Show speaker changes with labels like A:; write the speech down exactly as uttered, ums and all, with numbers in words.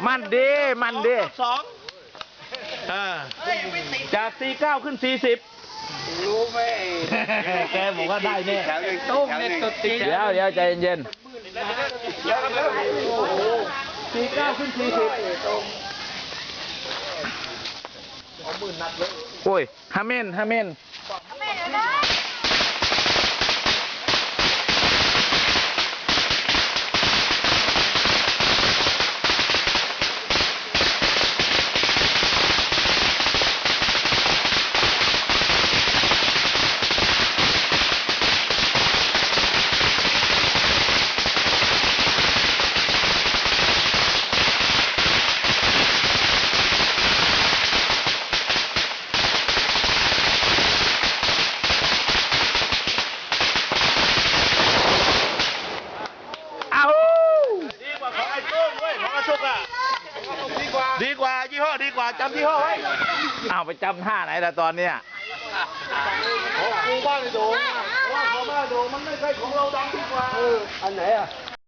A: มันดีมันดี
B: สองจากสี่เก้าขึ้นสี่สิบรู้ไหมแกบอกว่าได้เนี่ยตุ้มเนี่ยตุดตี
A: เดี๋ยวเดี๋ยวใจเย็น
B: สี่เก้าขึ้นสี่สิบ
A: โอ้ยฮาเมนฮาเมน
B: ดีกว่ายี่ห้อดีกว่าจำยี่ห้อไว้
A: เอาไปจำท่าไหนล่ะตอนเนี้ย
B: ของกูบ้านไอ้โด่งว่าของบ้านไอ้โด่งมันไม่ใช่ของเราดังดีกว่าเอออันไหนอ่ะ